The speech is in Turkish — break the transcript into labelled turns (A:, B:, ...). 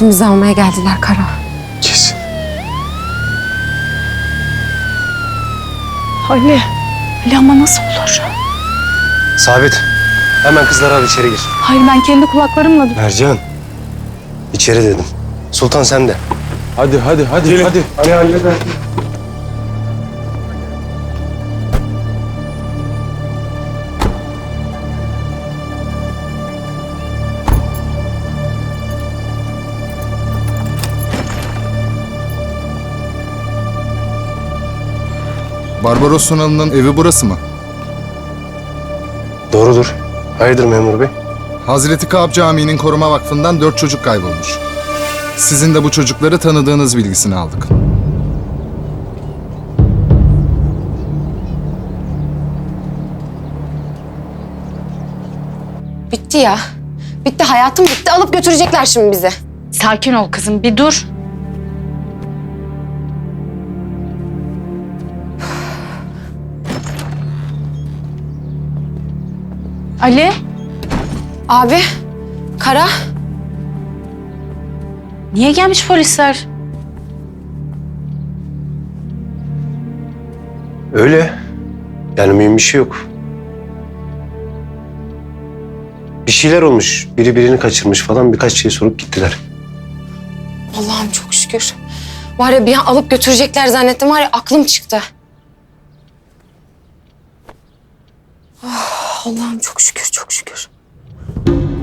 A: Kesin bizi almaya geldiler Kara.
B: Kesin.
C: Ali ama nasıl olur?
B: Sabit. Hemen kızları al içeri gir.
C: Hayır ben kendi kulaklarımla...
B: Mercan. İçeri dedim. Sultan sen de.
D: Hadi.
B: Hadi halleder.
E: Barbaros Sonalı'nın evi burası mı?
B: Doğrudur. Hayırdır memur bey?
E: Hazreti Kaab Camii'nin koruma vakfından 4 çocuk kaybolmuş. Sizin de bu çocukları tanıdığınız bilgisini aldık.
A: Bitti ya. Bitti, hayatım bitti. Alıp götürecekler şimdi bizi.
C: Sakin ol kızım bir dur. Ali,
A: Abi, Kara.
C: niye gelmiş polisler?
B: Öyle. Yani mühim bir şey yok. Bir şeyler olmuş. Biri birini kaçırmış falan, birkaç şey sorup gittiler.
A: Allah'ım çok şükür. Var ya bir an alıp götürecekler zannettim. Var ya aklım çıktı. Oh, Allah'ım çok şükür, çok şükür.